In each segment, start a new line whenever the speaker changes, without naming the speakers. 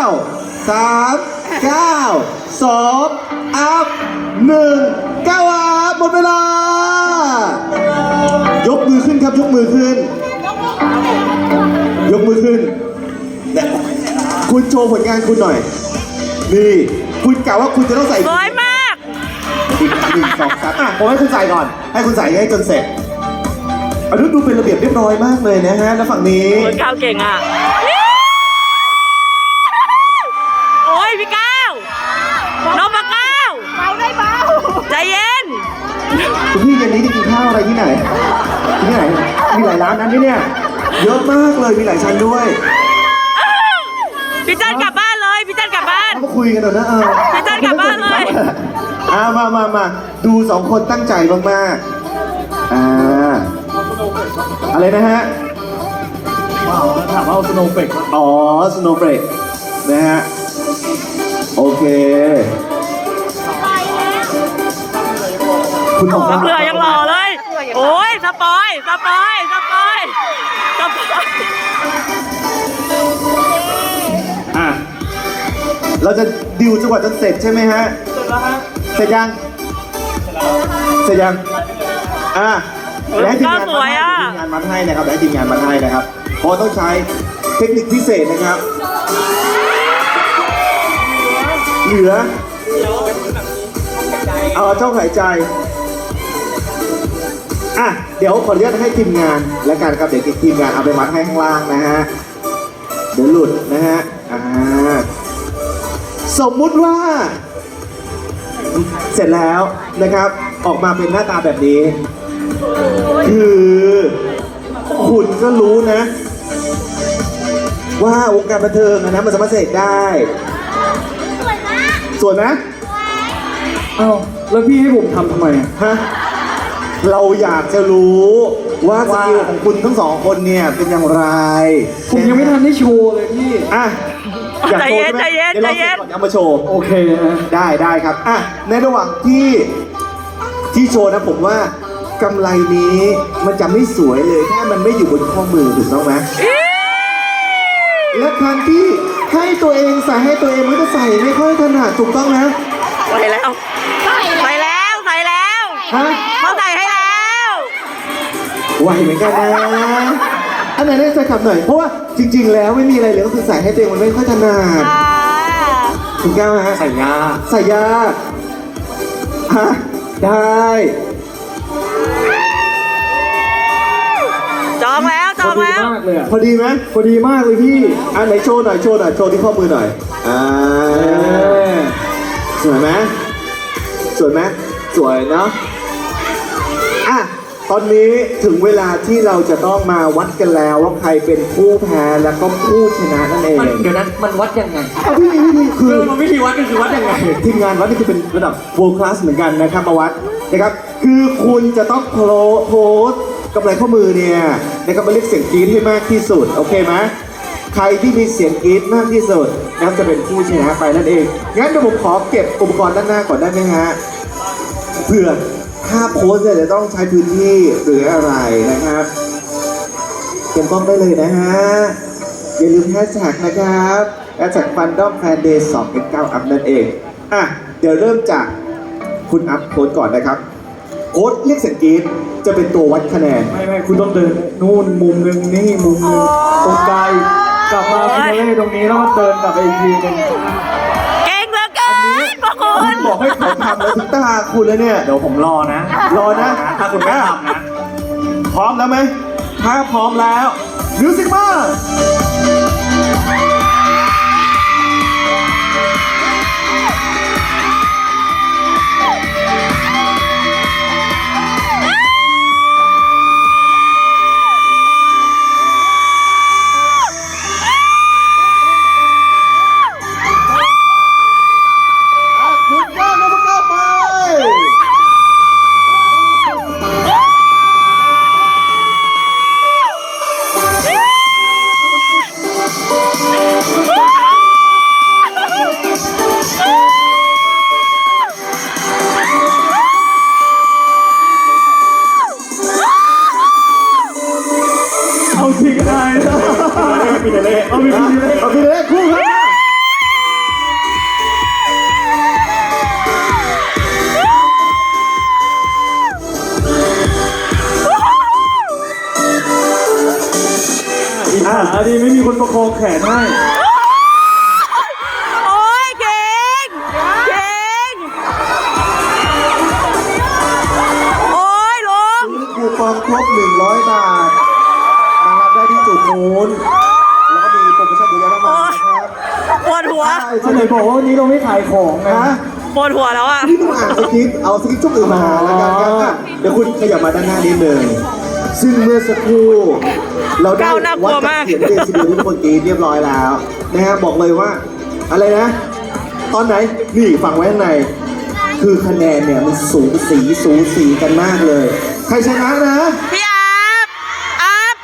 3 9 2 อัพ1 9อัพหมดเวลา ยกมือขึ้นครับยกมือขึ้น ยกมือขึ้นเนี่ยคุณโชว์ผลงานคุณหน่อย นี่คุณกล่าวว่าคุณจะต้องใส่
สวยมาก
1 2 3ผมให้คุณใส่ก่อน ให้คุณใส่ให้จนเสร็จอันนี้ดูเป็นระเบียบเรียบร้อยมากเลยนะฮะแล้วฝั่งนี้
คนก้าวเก่งอ่ะ โอ้ยพี่ก้าวน้องปะก้าวเบาได้เบาใจเย็น
คุณพี่เย็นนี้จะกินข้าวอะไรที่ไหนที่ไหนมีหลายร้านนั้นเนี่ยเยอะมากเลยมีหลายชั้นด้วย
พี่จันกลับบ้านเลยพี่จันกลับบ้าน
มาคุยกันหน่อยนะ
พี่จันกลับบ้านเลย
มาดู2 คนตั้งใจมากๆอะไรนะฮะถามว่าสโนว์เฟกอ๋อสโนว์เฟกนะฮะโอเคคุณบอกว่า
เบื่อยังหล่อเลย โอ้ยสปอย
เราจะดิวจังหวัดจนเสร็จใช่ไหมฮะเสร็จยังและทีมงานมัดให้นะครับและทีมงานมัดให้นะครับเพราะต้องใช้เทคนิคพิเศษนะครับเหลือเอาช่องหายใจเดี๋ยวขออนุญาตให้ทีมงานและกันครับเดี๋ยวทีมงานเอาไปมัดให้ข้างล่างนะฮะเดี๋ยวหลุดนะฮะสมมุติว่าเสร็จแล้วนะครับออกมาเป็นหน้าตาแบบนี้คือคุณก็รู้นะว่าวงการบันเทิงนะมันสามารถเสกได้สวยไหม
อ้าวแล้วพี่ให้ผมทำทำไม
ฮะเราอยากจะรู้ว่าสกิลของคุณทั้ง2 คนเนี่ยเป็นอย่างไร
ผมยังไม่ทันได้โชว์เลยพี่
อยากโชว์ใช่ไหมเดี๋ยวเราเสร็จก่อนเอามาโชว์
โอเคนะ
ได้ครับในระหว่างที่โชว์นะผมว่ากำไรนี้มันจะไม่สวยเลยถ้ามันไม่อยู่บนข้อมือถูกต้องไหมและการที่ให้ตัวเองใส่ให้ตัวเองมันก็ใส่ไม่ค่อยถนัดถูกต้องนะ
ใส่แล้ว
ฮะ
เขาใส่ให้แล้ว
ไหวเหมือนกันนะอันไหนได้ใส่ขับหน่อยเพราะว่าจริงๆแล้วไม่มีอะไรเลยก็คือใส่ให้ตัวเองมันไม่ค่อยถนัดถูกต้องฮะใส่ยากฮะได้
จองแล้ว
พอดีไหม
พอดีมากเลยพี่
ไหนโชว์หน่อยโชว์ที่ข้อมือหน่อยสวยไหมสวยเนาะตอนนี้ถึงเวลาที่เราจะต้องมาวัดกันแล้วว่าใครเป็นผู้แพ้แล้วก็ผู้ชนะนั่นเอง
เดี๋ยวนั้นมันวัดยังไง
วิธีคือ
มันวิธีวัดก็คือวัดยังไง
ทีมงานวัดนี่คือเป็นระดับ world class เหมือนกันนะครับมาวัดนะครับคือคุณจะต้องโพสกำไรข้อมือเนี่ยนะครับมาเรียกเสียงกรี๊ดให้มากที่สุดโอเคไหมใครที่มีเสียงกรี๊ดมากที่สุดนะครับจะเป็นผู้ชนะไปนั่นเองงั้นเดี๋ยวผมขอเก็บอุปกรณ์ด้านหน้าก่อนได้ไหมฮะเพื่อถ้าโพสเนี่ยจะต้องใช้พื้นที่หรืออะไรนะครับเก็บกล้องได้เลยนะฮะอย่าลืมแฮชแท็กนะครับแฮชแท็กFandom Fan Day 2X9 อัพนั่นเองเดี๋ยวเริ่มจากคุณอัพโค้ดก่อนนะครับโค้ดเรียกเสียงกรี๊ดจะเป็นตัววัดคะแนน
ไม่คุณต้องเดินนู่นมุมนึงนี่มุมนึงตรงไกลกลับมาฟินาเล่ตรงนี้แล้วเดินกลับไปอีกทีนึง
เก่งเหลือเกินพวกคุณ
บอกให้เขาทำแล้วถึงตาคุณเลยเนี่ย
เดี๋ยวผมรอนะถ้าคุณไม่ทำนะ
พร้อมแล้วไหมถ้าพร้อมแล้วมิวสิกมา
นให้
โอ้ยเก่งเก่งโอ้ยลุง
คูปองครบ100 บาทมารับได้ที่จุดนู้นแล้วก็มีโปรโมชั่นเยอะแยะมากมายนะครับ
ปวดหัว
เขาไหนบอกว่าวันนี้เราไม่ขายของนะ
นะ
ปวดหัวแล้วอ่ะ
ที่ต้องอ่านสคริปต์เอาสคริปต์ช่วงอื่นมาแล้วกันครับอ่ะเดี๋ยวคุณขยับมาด้านหน้านิดนึงซึ่งเมื่อสักครู่เราได้
ก้าวน่ากลั
วั
ว
ดจาก
มาก
เสียงเดซิเบลที่ทุกคนกรีดเรียบร้อยแล้วนะฮะบอกเลยว่าอะไรนะ ตอนไหนนี่ฟังไว้ข้างใน คือคะแนนเนี่ยมันสูสีกันมากเลย ใครชนะนะ
พี่อัพ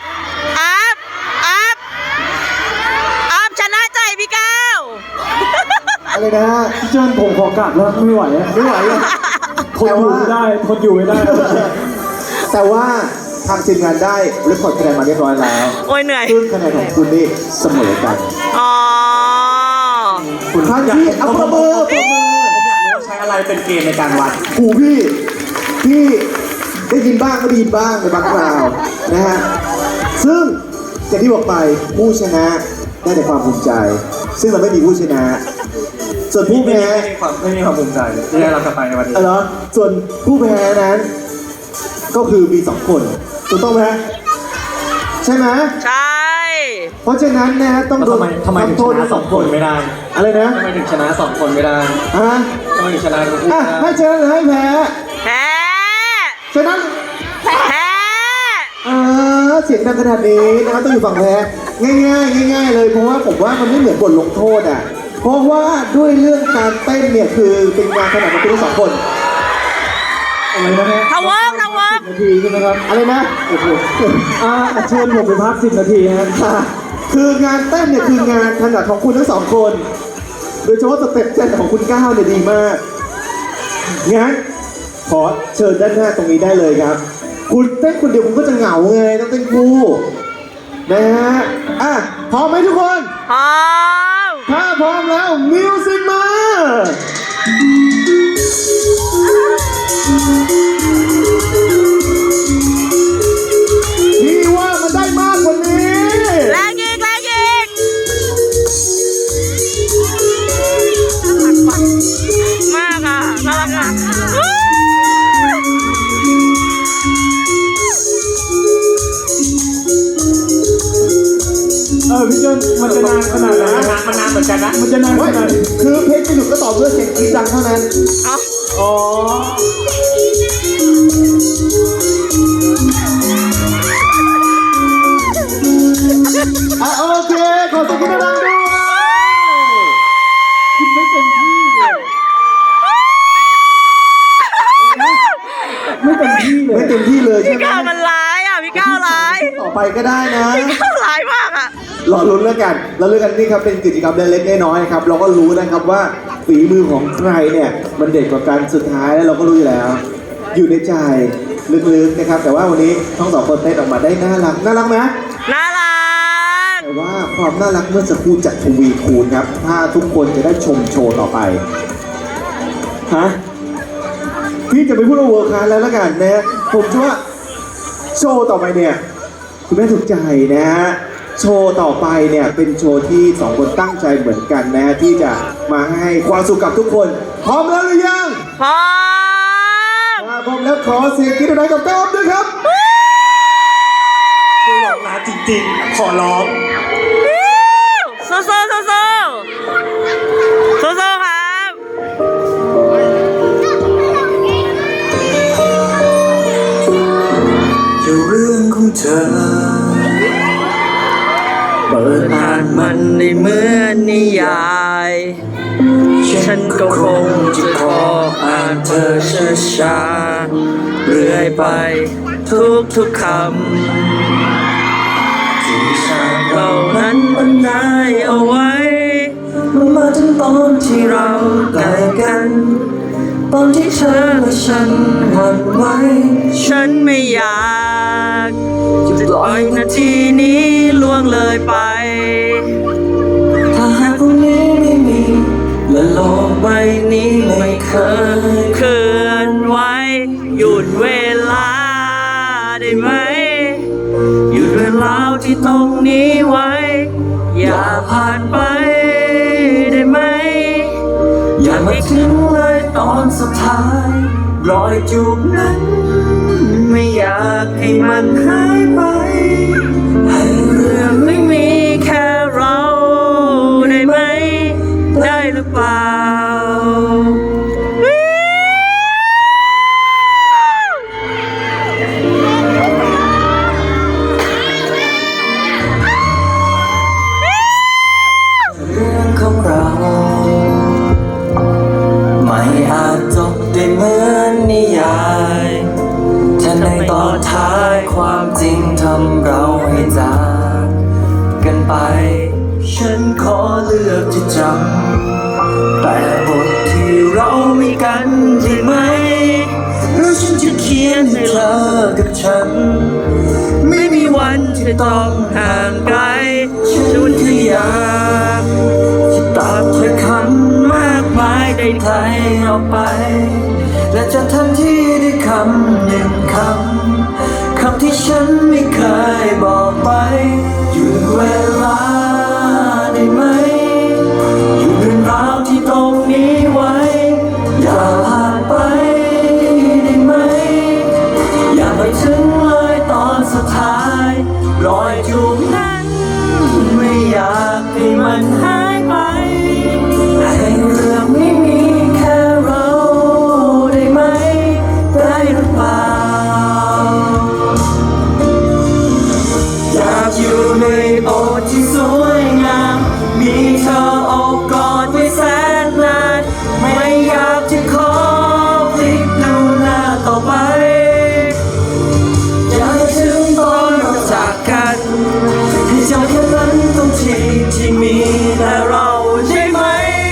ชนะใจพี่ก้าว
อะไรนะ
พี่เจิ้นผมขอกลับแล้วไม่ไหวอะ
ไม่ไหวอะ
ทนอยู่ไม่ได้ทนอยู่ไม่ได้
แต่ว่าทางทีมงานได้เรคคอร์ดคะแนนมาเรียบร้อยแล้ว
โอ้ยเหนื่อย
ซึ่งคะแนนของคุณนี่เสมอกัน
อ๋อ
คุณท่านที่เอาประเมิน
ผมอยากรู้ว่าใช้อะไรเป็นเกณฑ์ในการวัด
หูพี่ได้ยินบ้างไม่ได้ยินบ้างในบางคราวนะฮะซึ่งอย่างที่บอกไปผู้ชนะได้แต่ความภูมิใจ ซึ่งเราไม่มีผู้ชนะ ส่วนผู้แพ้
ไม่มีความภูมิใจที่ได้รับกลับไปในวันนี้
เหรอส่วนผู้แพ้นั้น ก็คือมี2 คนถูกต้องไหมใช่ไหม
ใช่
เพราะฉะนั้นนะฮะต้อง
แล้วทำไมถึง
โท
ช
ษ
นะ
ทั้ง
2 คนไม่ได้
อะไรนะ
ทำไมถึงชนะ2 คนไม่ได้
ฮะ
ทำไมถึงชนะทั้งคู่
อ่ะ
ไม่
ให้
ได้
ชนะหรือให้แพ้
แพ้
ฉะนั้น
แพ้
เสียงดังขนาดนี้นะครับต้องอยู่ฝั่งแพ้ง่ายๆเลยเพราะว่าผมว่ามันไม่เหมือนบทลงโทษอ่ะเพราะว่าด้วยเรื่องการเต้นเนี่ยคือเป็นงานขนาดของคุณทั้ง2 คน
อะไรนะเนี่ย
ทะเวิร์ก
10 นาทีใช่ไหมครับ
อะไรนะ
โอ้โหเชิญผมไปพัก10 นาทีฮะ
ค่ะคืองานเต้นเนี่ยคืองานถนัดของคุณทั้ง2 คน โดยเฉพาะสเต็ปเต้นของคุณก้าวเนี่ยดีมากงั้นขอเชิญด้านหน้าตรงนี้ได้เลยครับ คุณเต้นคนเดียวคุณก็จะเหงาไงต้องเต้นคู่นะฮะอ่ะพร้อมไหมทุกคน
พร้อม
ถ้าพร้อมแล้วมิวสิกมาพี่ว่ามันได้มากกว่านี้
แรงอีกมากอ่ะน่ารักอ่ะ
พี่เจิ้นมันจะนานขนาดไหนมันนานเหมือนกันนะมันจะนานข
เฮ้ย
นาดไหน
คือเพลงจะหยุดก็ต่อเมื่อเสียงกรี๊ดดังเท่านั้น
เอา
อ๋อ
อ่ะโอเค ขอเสียงกรี๊ดดังด้วยคุณไม่เต็มที่เลย
ไม่เต็มที่เลย
ไม่เต็มที่เลยใช่
พี่
ไหม
ก้าวมันร้ายอ่ะพี่ก้าวร้าย
ต่อไปก็ได้นะ
พี่ก้าวร้ายมากอ่ะ
รอลุ้นแล้วกันเราเลือกกันนี่ครับเป็นกิจกรรมเล็กๆน้อยๆครับเราก็รู้นะครับว่าฝีมือของใครเนี่ยมันเด็ดกว่ากันสุดท้ายแล้วเราก็รู้อยู่แล้ว อยู่ในใจลึกๆนะครับ แต่ว่าวันนี้ทั้ง2 คนเต้นออกมาได้น่ารักไหม
น่ารัก
แต่ว่าความน่ารักเมื่อสักครู่จะทวีคูณครับ ถ้าทุกคนจะได้ชมโชว์ต่อไปฮะพี่จะไปพูดว่าเวิร์คคลาสแล้วละกันนะผมเชื่อว่าโชว์ต่อไปเนี่ยคุณแม่ถูกใจนะฮะโชว์ต่อไปเนี่ยเป็นโชว์ที่2 คนตั้งใจเหมือนกันนะที่จะมาให้ความสุขกับทุกคน พร้อมแล้วหรือยัง
พร้อม
ถ้าพร้อมแล้วขอเสียงกรี๊ดดังๆกับก้าวด้วยครับ
ช่วยร้องนะจริงๆ ขอร้อง
สู้ๆครับ
จะเรื่องของเธอ เปิดอ่านมั
มัน นในเหมือนนิยาย ฉันก็คงจะขออ่านเธอช้าๆเรื่อยไปทุกคำที่ฉันเหล่านั้นบรรยายเอาไว้มาถึงตอนที่เราใกล้กัน ตอนที่เธอและฉันหวั่นไหวฉันไม่อยากจะปล่อยนาทีนี้ล่วงเลยไป ถ้าหากวันนี้ไม่มีและโลกใบนี้ไม่เคยเคลื่อนไหวหยุดเวลาได้ไหม หยุดเวลาที่ตรงนี้ไว้ อยากอนสุดท้ายรอยจูบนั้นไม่อยากให้มันหายไปให้เรื่องไม่มีแค่เราได้ไหมได้หรือเปล่าเรื่องของเราไม่อาจจบได้เหมือนนิยายถ้าในตอนท้ายความจริงทำเราให้จากกันไปฉันขอเลือกที่จำแต่บทที่เรามีกันได้ไหมหรือฉันจะเขียนให้เธอกับฉันไม่มีวันที่ต้องห่างไกลฉันแค่อยากจะตัดถ้อยคำมากมายใดๆออกไปและจะทันที่ได้คำหนึ่งคำที่ฉันไม่เคยบอกไปหยุดเวลาได้ไหมหยุดเรื่องราวที่ตรงนี้ไว้อย่าผ่านไปได้ไหมอย่าไปถึงเลยตอนสุดท้ายรอยจูบนั้นไม่อยากให้มันหายไปให้เรื่องไม่มีแค่เราได้ไหมได้หรือเปล่าอยากอยู่ในโอบที่สวยงามมีเธอโอบกอดไว้แสนนานไม่อยากจะขอพลิกดูหน้าต่อไปอยากให้ถึงตอนเราจากกันให้จำแค่นั้นตรงที่มีแต่เราใช่ไหม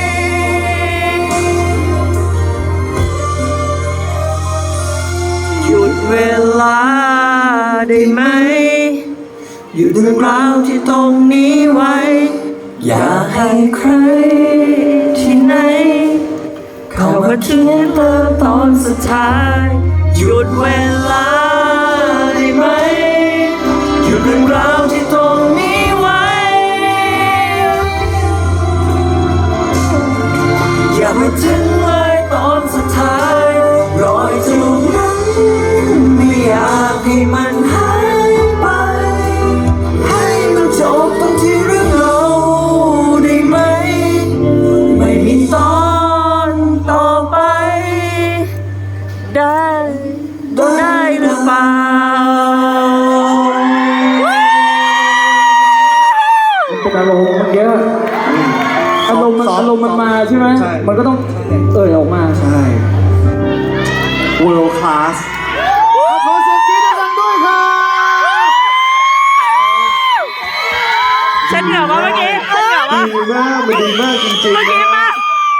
หยุดเวลาได้ไหมหยุดเรื่องราวที่ตรงนี้ไว้อย่าให้ใครที่ไหนเข้ามาถึงเติมตอนสุดท้ายหยุดเวลาได้ไหมหยุดเรื่องราวที่ตรงนี้ไว้อย่าไปถึงเลยตอนสุดท้ายรอยจูบนั้นไม่อยากให้มันหายไปให้มันจบตรงที่เรื่องเราได้ไหมไม่มีตอนต่อไปได้หรือเปล่า
เป็นอารมณ์เมื่อกี้อารมณ์มันมาใช่ไหม
ใช่
มันก็ต้องเอ่ยออกมา
ใช่ world class ขอเสียงกรี๊ดดังๆด้วยครับ
ฉันเหงื่อวะเมื่อกี้ฉันเหงื่อวะ
ดีมากมันดีมากจริง
เมื่อ
ๆ
กี้
นะ
มาก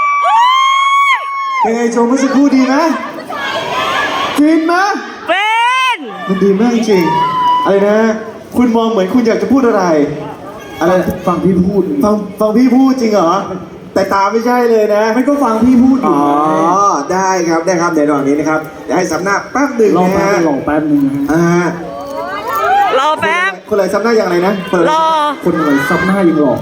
เป็นไงโจเมื่อสักครู่ดีนะฟินไหม
เป็น
มันดีมากจริงอะไรนะ คุณมองเหมือนคุณอยากจะพูดอะไร อะไร
ฟังพี่พูด
ฟังพี่พูดจริงเหรอ แต่ตาไม่ใช่เลยนะ
ไม่ก็ฟังพี่พูดอ
อ๋
ยู่
อ ได้ครับได้ครับเดี๋ยวตอนนี้นะครับเดี๋ยวให้สำนักแป๊บหนึ่ง
ลอง
นะ
แป๊บ
ฮะ
นึงลองแป๊บนึงนะฮะ
รอแป๊บ
คนอะไรสำนักอย่างไรนะคนอะไร
รอ
คนอะไรซับหน้ายังหลอก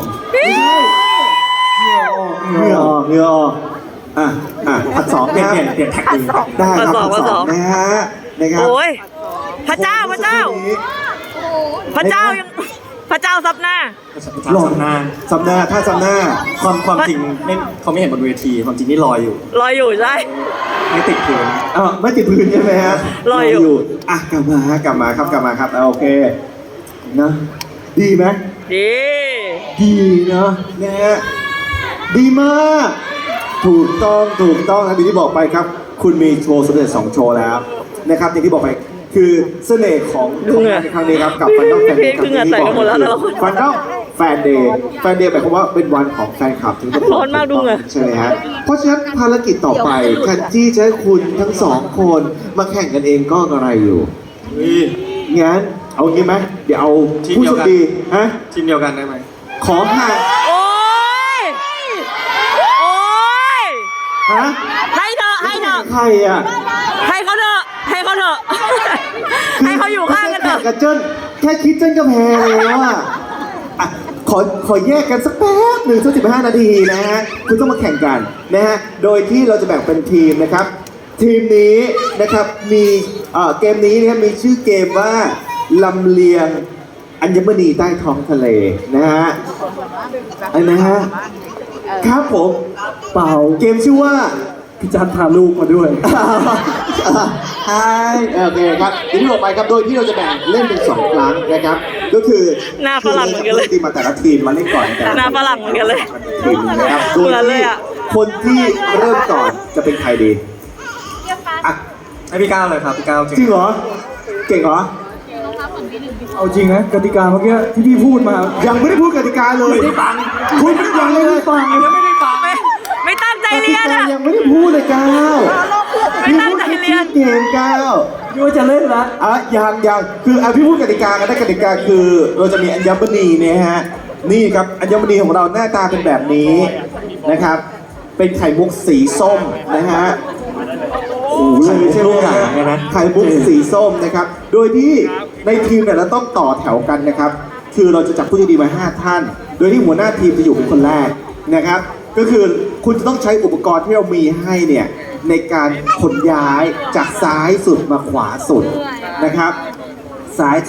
เหงื่อออกเหงื่อออกผัดสองนะฮะ
เปลี่ยนแท็กเลย
ได้ครับ
ผั
ผั
ด
ด
ส
ส
อ
อง งนะฮะนะครับ
โอ้ยพระเจ้าพระเจ้า พระเจ้ายังพระเจ้าซับหน้า
หลอกหน้าสำนักถ้าสำนัก
ความจริงไม่เขาไม่เห็นบนเวทีความจริงนี่ลอยอยู่
รออยู่ใช่
ไม่ติดพื้น
ไม่ติดพื้นใช่ไหมฮะ
รออยู่
อ่ะกลับมาฮะกลับมาครับโอเคนะดีไหม
ดี
ดีเนาะนะฮะดีมากถูกต้องนะที่บอกไปครับ คุณมีโชว์สำเร็จ2โชว์แล้วนะครับอย่างที่บอกไปคือเสน่ห์ของงานในครั้งนี้ครับกับฟันดอมแฟนเดย์
คือเหงื่อแตกกันหมดแล้วแต่ละคน
ฟันดอมแฟนเดย์หมายความว่าเป็นวันของแฟนคลับถึงจะ
ร้อนมากดูเหงื่อ
ใช่ไหมฮะเพราะฉะนั้นภารกิจต่อไปแทนที่จะให้คุณทั้งสองคนมาแข่งกันเองก็อะไรอยู่งั้นเอางี้ไหมเดี๋ยวเอาผู้โชคดีฮะ
ทีมเดียวกันได้ไหม
ขอห่าง
โอ้ยโอ้ย
ฮะ
ให้เถอะให้เถอะ
ใครอ่ะ
ให้เขาเถอะให้เขาเถอะให้เขาอยู่ข้างกันเถอะ
กับเจิ้นแค่คิดเจิ้นก็แพ้แล้วอ่ะขขอแยกกันสักแป๊บหนึ่งสัก15 นาทีนะฮะคุณต้องมาแข่งกันนะฮะโดยที่เราจะแบ่งเป็นทีมนะครับ ทีมนี้นะครับมีเกมนี้นะครับมีชื่อเกมว่าลำเลียงอัญมณีใต้ท้องทะเลนะฮะอะไรนะฮะครับผม
เปล่า
เกมชื่อว่า
พี่จันพาลูกมาด้วย
ใช่โอเคครับทีนี้ต่อไปครับโดยที่เราจะแบ่งเล่นเป็น2 ครั้งนะครับ ก็คือ
หน้าฝรั่งเหมือนกันเลย
ทีมมาแต่ละทีมมาเล่นก่อนแต่ละ
หน้าฝรั่งเหมือนกันเลย
ทีมนะครับโด
เหมื
ย
อนเล
ที่
ยอะ
คนที่เริ่มก่อนจะเป็นใครดีอ่ะ
ให้พี่ก้าวเลยครับพี่ก้าวจริง
จริงเหรอเก่งเหรอ
เอาจริงนะกติกาเมื่อกี้ที่พี่พูดมา
ยังไม่ได้พูดกติกาเลย
ไม่ได้ฟัง
คุณยังไม่ได้ฟัง
ยังไม่ได้ฟัง
ไม่ตั้งใจ
กติ
เรียน
กา
อ่ะ
ยังไม่ได้พูดเลยก้าว
ไม่ตั้งใจเรียน
พี่พูดแค่ชื่อเกมก้าว
พี่ว่าจะเล่นละ
ยังคือพี่พูดกติกากันได้กติกาคือเราจะมีอัญมณีเนี่ยฮะนี่ครับอัญมณีของเราหน้าตาเป็นแบบนี้นะครับ เป็นไข่มุกสีส้มนะฮะโอ้โหเลยใช่ไหมฮะไข่มุกสีส้มนะครับ โดยที่ในทีมเนี่ยเราต้องต่อแถวกันนะครับ คือเราจะจับผู้โชคดีมา5 ท่าน โดยที่หัวหน้าทีมจะอยู่เป็นคนแรกนะครับ ก็คือคุณจะต้องใช้อุปกรณ์ที่เรามีให้เนี่ยในการขนย้ายจากซ้ายสุดมาขวาสุดนะครับซ้าย